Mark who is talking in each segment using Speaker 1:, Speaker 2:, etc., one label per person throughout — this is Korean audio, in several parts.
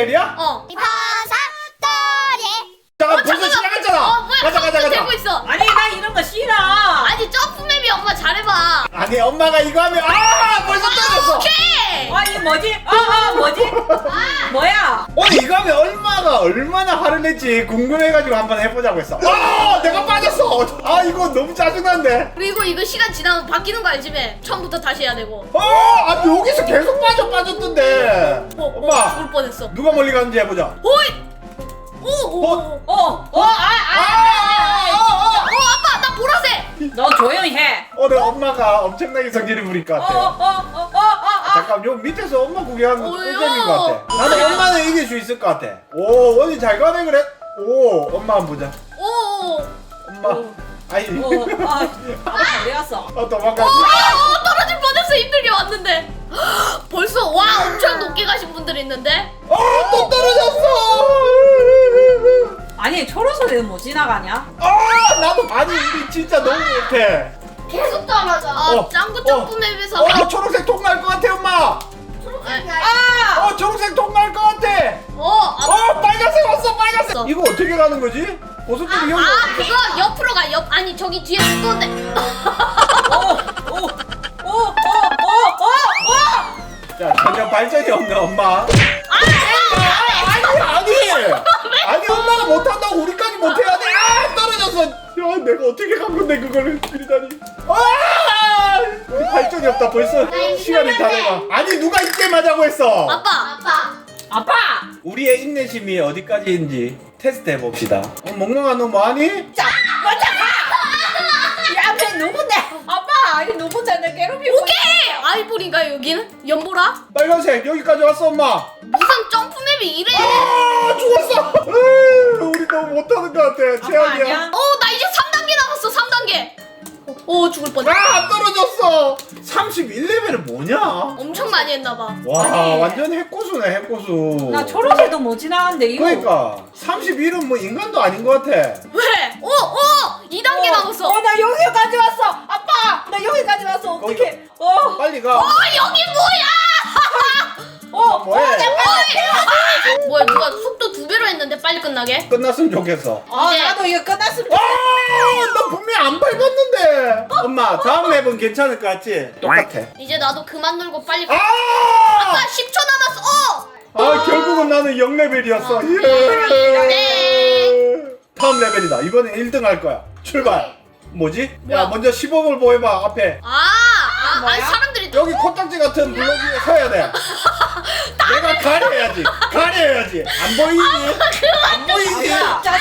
Speaker 1: 튜토리얼이야?
Speaker 2: 버섯돌이.
Speaker 1: 잠깐 벌써 시작했잖아.
Speaker 3: 뭐야?
Speaker 1: 가자.
Speaker 3: 되고 있어.
Speaker 4: 아니 나 이런 거 싫어.
Speaker 3: 아니 점프맵이 엄마 잘해봐.
Speaker 1: 아니 엄마가 이거 하면 벌써 떨어졌어.
Speaker 3: 오케이.
Speaker 4: 아니 뭐지? 뭐지? 뭐야?
Speaker 1: 오늘 이거 하면 얼마나 화를 냈지 궁금해가지고 한번 해보자고 했어. 내가 빠졌어. 이거 너무 짜증난데.
Speaker 3: 그리고 이거 시간 지나면 바뀌는 거 알지? 매? 처음부터 다시 해야 되고.
Speaker 1: 여기서 계속 빠졌던데. 엄마
Speaker 3: 죽을 뻔했어.
Speaker 1: 누가 멀리 가는지 해보자.
Speaker 3: 오이. 아빠 나 보라색.
Speaker 4: 너 조용히 해.
Speaker 1: 오늘 엄마가 엄청나게 성질을 부릴 것 같아. 잠깐 요 밑에서 엄마 구경하는 거
Speaker 3: 뭐예요?
Speaker 1: 꿀잼인 것 같아. 나는 엄마는 이길 수 있을 것 같아. 오 원이 잘 가네 그래. 오 엄마 한번 보자. 엄마. 아니.
Speaker 4: 어디 갔어?
Speaker 1: 도망가지.
Speaker 3: 떨어질 뻔했어. 힘들게 왔는데. 벌써 와 엄청 높게 가신 분들이 있는데.
Speaker 1: 또 떨어졌어.
Speaker 4: 아니 초록소리는 못 지나가냐?
Speaker 1: 나도 아니 우리 진짜 너무 못해.
Speaker 2: 계속 떨어져.
Speaker 3: 짱구 점프맵에서.
Speaker 1: 초록색 통과할 것 같아 엄마. 초록색 통과할 것 같아. 빨간색 왔어 빨간색. 이거 어떻게 가는 거지? 버섯들이 여기.
Speaker 3: 그거 옆으로 가. 아니 저기 뒤에 두꺼운데.
Speaker 1: 자 전혀 발전이 없네 엄마. 아니 엄마가 못한다고 우리까지 못해야 돼. 떨어졌어. 야 내가 어떻게 간 건데 그거를 들이다니. 우리 발전이 없다 벌써. 시간이 다 돼가. 아니 누가 이때마자고 했어.
Speaker 3: 아빠.
Speaker 1: 우리의 인내심이 어디까지인지 테스트 해봅시다. 멍멍아 너 뭐하니?
Speaker 4: 이 앞에 누군데? 아빠 아니 누구 내 괴롭히고.
Speaker 3: 오케이. 아이보리인가 여기는? 연보라?
Speaker 1: 빨간색 여기까지 왔어 엄마.
Speaker 3: 무슨 점프맵이 이래?
Speaker 1: 죽었어. 우리 너무 못하는 것 같아. 최악이야.
Speaker 4: 아니야?
Speaker 3: 나 이제 3단계 남았어. 3단계. 죽을 뻔.
Speaker 1: 떨어졌어. 31레벨은 뭐냐?
Speaker 3: 엄청 많이 했나봐.
Speaker 1: 와
Speaker 4: 아니.
Speaker 1: 완전 핵고수네 핵고수.
Speaker 4: 나 초록색도 못 지나가는데 이거.
Speaker 1: 그러니까 31은 뭐 인간도 아닌 것 같아.
Speaker 3: 왜? 2단계 남았어.
Speaker 4: 나 여기까지 왔어. 아빠 나 여기까지 왔어. 어떡해.
Speaker 1: 빨리 가.
Speaker 3: 여기 뭐야?
Speaker 1: 뭐해?
Speaker 3: 뭐야 누가 속도 2배로 했는데 빨리 끝나게?
Speaker 1: 끝났으면 좋겠어.
Speaker 3: 이제-
Speaker 4: 나도 이거 끝났으면
Speaker 1: 너 분명 안 밟았는데. 엄마 다음 맵은 괜찮을 것 같지? 똑같아.
Speaker 3: 이제 나도 그만 놀고 빨리
Speaker 1: 아!
Speaker 3: 아빠 10초 남았어.
Speaker 1: 결국은 나는 0레벨이었어.
Speaker 3: 네.
Speaker 1: 다음 레벨이다. 이번엔 1등 할 거야. 출발. 뭐지?
Speaker 3: 뭐야?
Speaker 1: 야 먼저 시범을 보여봐 앞에.
Speaker 3: 아니 사람들이
Speaker 1: 여기 코딱지 같은 블록 위에 서야 돼. 내가 가려야지. 안 보이니? 안 보이지?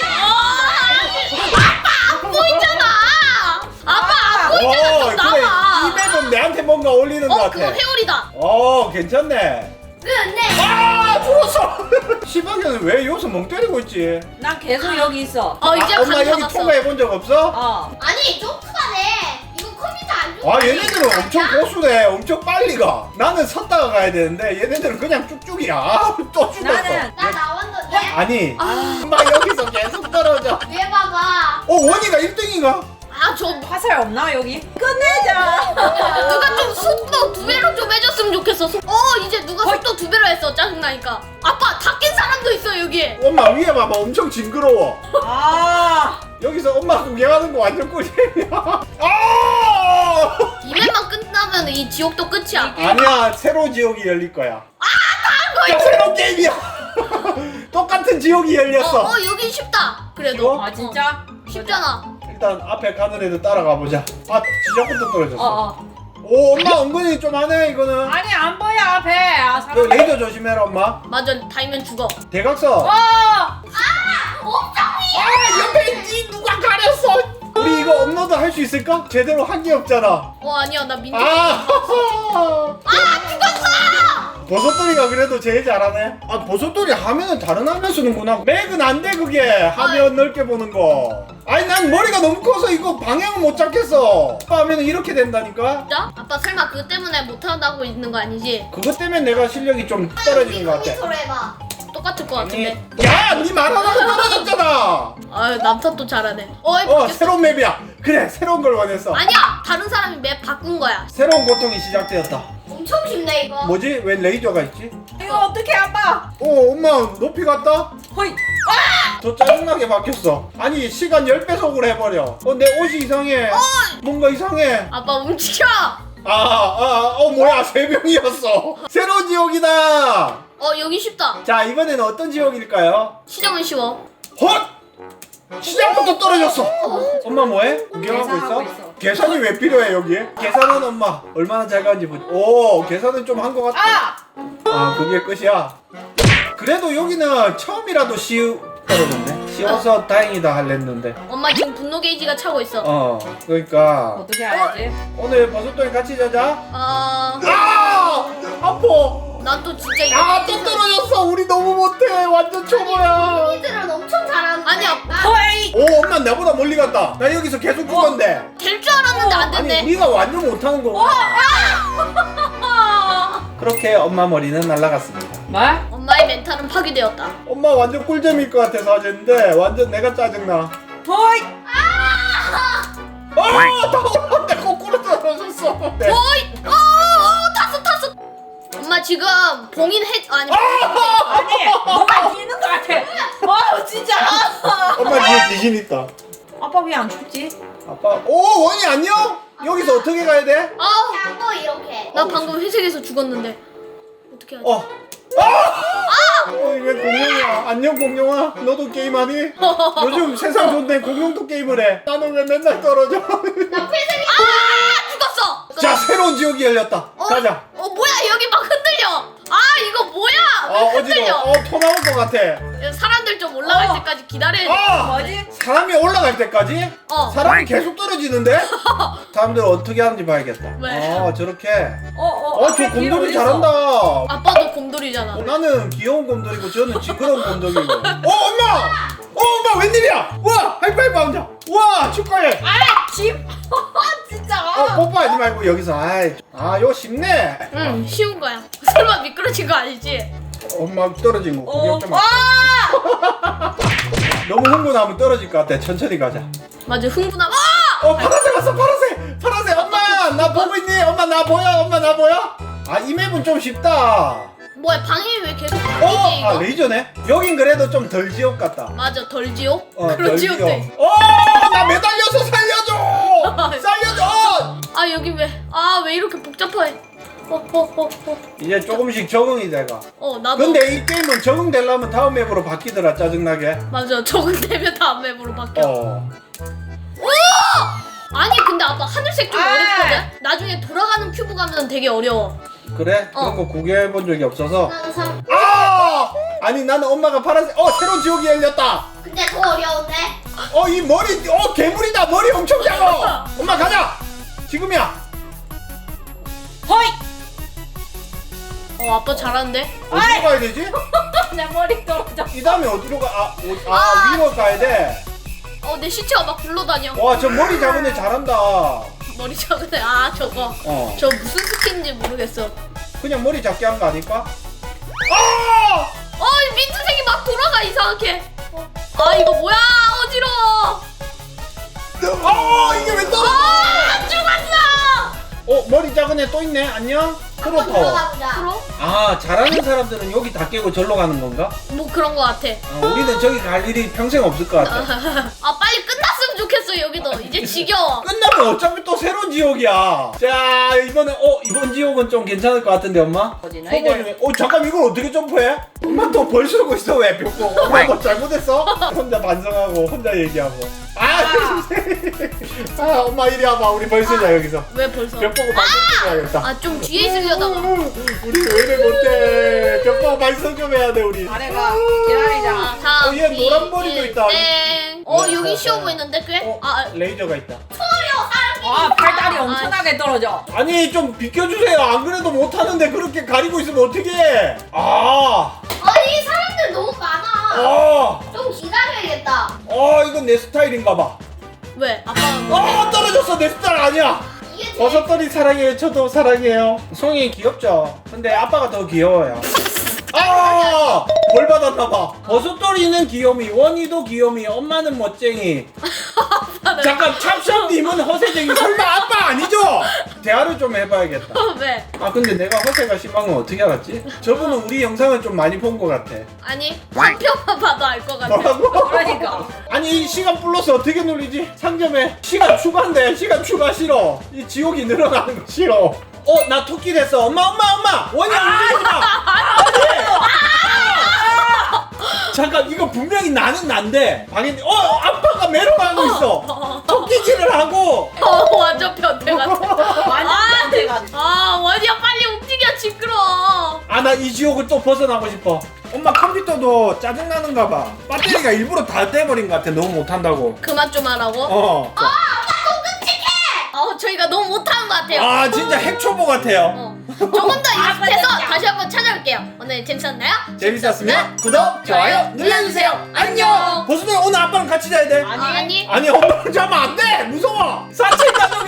Speaker 3: 안 보이잖아. 아빠 안 보이잖아. 좀
Speaker 1: 그래.
Speaker 3: 나와.
Speaker 1: 이 맵은 내한테 뭔가 어울리는 것 같아.
Speaker 3: 그거 회오리다.
Speaker 1: 괜찮네.
Speaker 2: 근데
Speaker 1: 죽었어. 시방이는 왜 여기서 멍 때리고 있지?
Speaker 4: 난 계속 여기 있어.
Speaker 3: 이제
Speaker 1: 엄마
Speaker 3: 감
Speaker 1: 여기
Speaker 3: 잡았어.
Speaker 1: 통과해 본 적 없어?
Speaker 2: 아니 점프가 돼. 이거 컴퓨터 안 좋아.
Speaker 1: 얘네들은 엄청 고수네. 엄청 빨리 가. 나는 섰다가 가야 되는데 얘네들은 그냥 쭉쭉이야. 또 죽었어.
Speaker 4: 나는
Speaker 2: 나 나왔는데.
Speaker 1: 아니 엄마 여기서 계속 떨어져.
Speaker 2: 왜 봐봐.
Speaker 1: 원이가 1등인가?
Speaker 3: 저
Speaker 4: 화살 없나 여기? 끝내자.
Speaker 3: 누가 좀 속도 2배로 좀 해줬으면 좋겠어. 이제 누가 속도 2배로 했어. 짜증나니까. 아빠 다 깬 사람도 있어 여기.
Speaker 1: 엄마 위에 봐봐. 엄청 징그러워. 여기서 엄마 구경하는 거 완전 꿀잼이야.
Speaker 3: 이맵만 끝나면 이 지옥도 끝이야.
Speaker 1: 아니야 새로 지옥이 열릴 거야. 새로운 게임이야. 똑같은 지옥이 열렸어.
Speaker 3: 여긴 쉽다. 그래도
Speaker 1: 쉬워?
Speaker 4: 진짜?
Speaker 3: 쉽잖아.
Speaker 1: 일단 앞에 가는 애들 따라가 보자. 지적부터 떨어졌어.
Speaker 4: 어.
Speaker 1: 오 엄마 은근히 좀 하네 이거는.
Speaker 4: 아니 안 보여 앞에.
Speaker 1: 너 레이저 조심해라 엄마.
Speaker 3: 맞아. 닿으면 죽어.
Speaker 1: 대각선. 옆에 누가 가렸어. 우리 이거 업로드 할 수 있을까? 제대로 한 게 없잖아.
Speaker 3: 아니야 나 민트.
Speaker 1: 죽었어. 버섯돌이가 그래도 제일 잘하네. 버섯돌이 화면은 다른 화면 쓰는구나. 맥은 안 돼 그게. 화면 넓게 보는 거. 아니 난 머리가 너무 커서 이거 방향을 못 잡겠어. 화면은 이렇게 된다니까.
Speaker 3: 진짜? 아빠 설마 그것 때문에 못한다고 있는 거 아니지?
Speaker 1: 그것 때문에 내가 실력이 좀 떨어지는 것 같아.
Speaker 2: 컴퓨터로 해봐.
Speaker 3: 똑같을 것 같은데.
Speaker 1: 야, 니 말하다가 떨어졌잖아.
Speaker 3: 남탓도 잘하네.
Speaker 1: 새로운 맵이야. 그래, 새로운 걸 원했어.
Speaker 3: 아니야, 다른 사람이 맵 바꾼 거야.
Speaker 1: 새로운 고통이 시작되었다.
Speaker 2: 엄청 쉽네 이거.
Speaker 1: 뭐지? 왜 레이저가 있지?
Speaker 4: 이거 어떻게 아빠?
Speaker 1: 오 엄마 높이 갔다?
Speaker 4: 허이.
Speaker 1: 더 짜증나게 바뀌었어. 아니 시간 10배속으로 해버려. 내 옷이 이상해. 뭔가 이상해.
Speaker 3: 아빠 움직여.
Speaker 1: 뭐야 3명이었어. 새로운 지옥이다.
Speaker 3: 여기 쉽다.
Speaker 1: 자 이번에는 어떤 지옥일까요?
Speaker 3: 시작은 쉬워.
Speaker 1: 헛! 시작부터 떨어졌어. 엄마 뭐해? 구경하고
Speaker 4: 계산하고
Speaker 1: 있어?
Speaker 4: 있어.
Speaker 1: 계산이 왜 필요해 여기에? 계산은 엄마 얼마나 잘 가는지 보자. 오 계산은 좀 한 것 같아. 그게 끝이야. 그래도 여기는 처음이라도 떨어졌네. 쉬워서 다행이다 할랬는데.
Speaker 3: 엄마 지금 분노 게이지가 차고 있어.
Speaker 1: 그러니까
Speaker 4: 어떻게 해야지?
Speaker 1: 오늘 버섯돌이 같이 자자. 아파.
Speaker 3: 난 또 진짜 이거.
Speaker 1: 또 떨어졌어. 우리 너무 못해. 완전 초보야.
Speaker 2: 언니들은 엄청 잘하는.
Speaker 3: 아니야.
Speaker 4: 허이.
Speaker 1: 오 엄마 나보다 멀리 갔다. 나 여기서 계속 죽었는데.
Speaker 3: 될 줄 알았는데 안
Speaker 1: 아니
Speaker 3: 됐네.
Speaker 1: 우리가 완전 못하는 거. 그렇게 엄마 머리는 날아갔습니다.
Speaker 4: 뭐?
Speaker 3: 엄마의 멘탈은 파괴되었다.
Speaker 1: 엄마 완전 꿀잼일 것 같아서 하셨는데 완전 내가 짜증나.
Speaker 4: 허이.
Speaker 1: 나 거꾸로 떨어졌어. 네.
Speaker 3: 어이! 탔어. 엄마 지금 봉인 아니.
Speaker 4: 아니 뭐가 뛰는 것 같아. 진짜.
Speaker 1: 엄마 뒤에 귀신 있다.
Speaker 4: 아빠 왜 안 죽지?
Speaker 1: 아빠. 오 원이 안녕? 여기서 어떻게 가야 돼?
Speaker 2: 한번 이렇게.
Speaker 3: 나 방금 회색에서 죽었는데. 어떻게 하지?
Speaker 1: 이게 공룡이야. 안녕 공룡아. 너도 게임하니? 요즘 세상 좋네. 공룡도 게임을 해. 나는 왜 맨날 떨어져?
Speaker 2: 나 회색이.
Speaker 3: 죽었어.
Speaker 1: 자 새로운 지옥이 열렸다. 가자.
Speaker 3: 뭐야 여기 막 흔들려. 이거 뭐야? 왜 흔들려?
Speaker 1: 어지러워. 토 나올 것 같아.
Speaker 3: 사람들 좀 올라갈 때까지 기다려야 돼.
Speaker 4: 뭐지?
Speaker 1: 사람이 올라갈 때까지? 사람이 계속 떨어지는데? 사람들 어떻게 하는지 봐야겠다.
Speaker 3: 왜?
Speaker 1: 저렇게.
Speaker 4: 앞에
Speaker 1: 저
Speaker 4: 뒤에
Speaker 1: 곰돌이
Speaker 4: 어디
Speaker 1: 잘한다.
Speaker 3: 아빠도 곰돌이잖아.
Speaker 1: 나는 귀여운 곰돌이고 저는 시끄러운 곰돌이고. 엄마 웬일이야? 와 하이파이브 하자. 와 축하해.
Speaker 4: 집. 진짜.
Speaker 1: 뽀뽀하지 말고 여기서. 이거 쉽네.
Speaker 3: 응 쉬운 거야. 설마 미끄러진 거 아니지?
Speaker 1: 엄마 떨어진 거 구경 좀 하. 너무 흥분하면 떨어질 것 같아. 천천히 가자.
Speaker 3: 맞아 흥분하고.
Speaker 1: 파란색 왔어. 파란색. 엄마 나 보고 있니? 엄마 나 보여? 이 맵은 좀 쉽다.
Speaker 3: 뭐야 방이 왜 계속 바뀌지 이거?
Speaker 1: 레이저네. 여긴 그래도 좀 덜 지옥 같다.
Speaker 3: 맞아 덜 지옥?
Speaker 1: 덜
Speaker 3: 그런
Speaker 1: 지옥.
Speaker 3: 지옥도 있어.
Speaker 1: 나 매달려서 살려줘.
Speaker 3: 여기 왜 이렇게 복잡해?
Speaker 1: 이제 조금씩 적응이 돼가.
Speaker 3: 나도.
Speaker 1: 근데 이 게임은 적응되려면 다음 맵으로 바뀌더라. 짜증나게.
Speaker 3: 맞아 적응되면 다음 맵으로 바뀌어. 아니 근데 아빠 하늘색 좀 어렵거든? 나중에 돌아가는 큐브 가면 되게 어려워.
Speaker 1: 그래? 그런 거 구경해본 적이 없어서.
Speaker 2: 나는 삼.
Speaker 1: 아니 나는 엄마가 파란색. 새로운 지옥이 열렸다.
Speaker 2: 근데 더 어려운데.
Speaker 1: 이 머리. 괴물이다. 머리 엄청 작아. 엄마 가자. 지금이야.
Speaker 4: 허이.
Speaker 3: 아빠 잘하는데?
Speaker 1: 어디로 가야 되지?
Speaker 4: 내 머리 떨어져.
Speaker 1: 이 다음에 어디로 가? 위로 가야 돼.
Speaker 3: 내 시체가 막 굴러다녀.
Speaker 1: 와 저 머리 작은 애 잘한다.
Speaker 3: 머리 작은 애. 저거. 저 무슨 스킨인지 모르겠어.
Speaker 1: 그냥 머리 작게 한 거 아닐까?
Speaker 3: 이 민트색이 막 돌아가 이상하게. 이거 뭐야 어지러워.
Speaker 1: 이게 왜 떨어져?
Speaker 3: 죽었어.
Speaker 1: 머리 작은 애 또 있네. 안녕.
Speaker 2: 한번
Speaker 1: 프로터.
Speaker 2: 들어가 보자.
Speaker 1: 잘하는 사람들은 여기 다 깨고 절로 가는 건가?
Speaker 3: 뭐 그런 거 같아.
Speaker 1: 우리는 저기 갈 일이 평생 없을 것 같아.
Speaker 3: 빨리 끝났으면 좋겠어 여기도. 이제 지겨워.
Speaker 1: 끝나면 어차피 또 새로운 지옥이야. 자 이번에 이번 지옥은 좀 괜찮을 것 같은데 엄마?
Speaker 4: 뭐지,
Speaker 1: 초보
Speaker 4: 너희들?
Speaker 1: 중에 잠깐 이걸 어떻게 점프해? 엄마 또 벌 쓰고 있어 왜 벽보? 엄마 뭐 잘못했어? 혼자 반성하고 혼자 얘기하고. 엄마 이리 와봐. 우리 벌 쓰자 여기서.
Speaker 3: 왜 벌써?
Speaker 1: 벽 보고 반성 좀 해야겠다.
Speaker 3: 좀 뒤에 있으려다가.
Speaker 1: 우리 왜 이래 못해? 벽 보고 반성 좀 해야 돼 우리.
Speaker 4: 아래가 기다리자.
Speaker 3: 3,
Speaker 1: 얘 노란 머리도 있다.
Speaker 3: 땡. 여기 쉬워 보이는데 꽤?
Speaker 1: 레이저가 있다.
Speaker 4: 팔다리 엄청나게 떨어져.
Speaker 1: 아니 좀 비켜주세요. 안 그래도 못하는데 그렇게 가리고 있으면 어떡해.
Speaker 2: 아니 사람들 너무 많아. 좀 기다려야겠다.
Speaker 1: 이건 내 스타일인가 봐.
Speaker 3: 왜? 아빠가 뭐?
Speaker 1: 떨어졌어. 내 스타일 아니야.
Speaker 2: 이게 제일
Speaker 1: 버섯돌이 사랑해요. 저도 사랑해요. 송이 귀엽죠? 근데 아빠가 더 귀여워요. 벌 받았나봐. 버섯돌이는 귀요미, 원이도 귀요미, 엄마는 멋쟁이. 잠깐 찹샵님은 허세쟁이. 설마 아빠 아니죠? 대화를 좀 해봐야겠다.
Speaker 3: 왜?
Speaker 1: 아 근데 내가 허세가 심한 건 어떻게 알았지? 저분은 우리 영상을 좀 많이 본 것 같아.
Speaker 3: 아니 한 편만 봐도 알 것 같아.
Speaker 1: 뭐라고?
Speaker 4: 그러니까.
Speaker 1: 아니 이 시간 플러스 어떻게 눌리지? 상점에 시간 추가인데 시간 추가 싫어. 이 지옥이 늘어나는 거 싫어. 나 토끼 됐어. 엄마 원이 움직이지 마. 잠깐 이거 분명히 나는 난데 방인데 아빠가 메롱하고 있어. 토끼질을 하고.
Speaker 3: 완전 변태 같아.
Speaker 4: 완전 변태가.
Speaker 3: 원이야 빨리 움직여 시끄러.
Speaker 1: 아 나 이 지옥을 또 벗어나고 싶어. 엄마 컴퓨터도 짜증나는가 봐. 배터리가 일부러 다 떼버린 것 같아. 너무 못한다고.
Speaker 3: 그만 좀 하라고. 저희가 너무 못하는 것 같아요.
Speaker 1: 아 진짜 핵초보 같아요.
Speaker 3: 조금 더 연습해서 다시 한번 찾아올게요. 오늘 재밌었나요?
Speaker 1: 재밌었으면 구독, 좋아요 눌러주세요. 안녕. 보수들 오늘 아빠랑 같이 자야 돼.
Speaker 3: 아니.
Speaker 1: 아니 엄마랑 자면 안 돼. 무서워. 사치 가족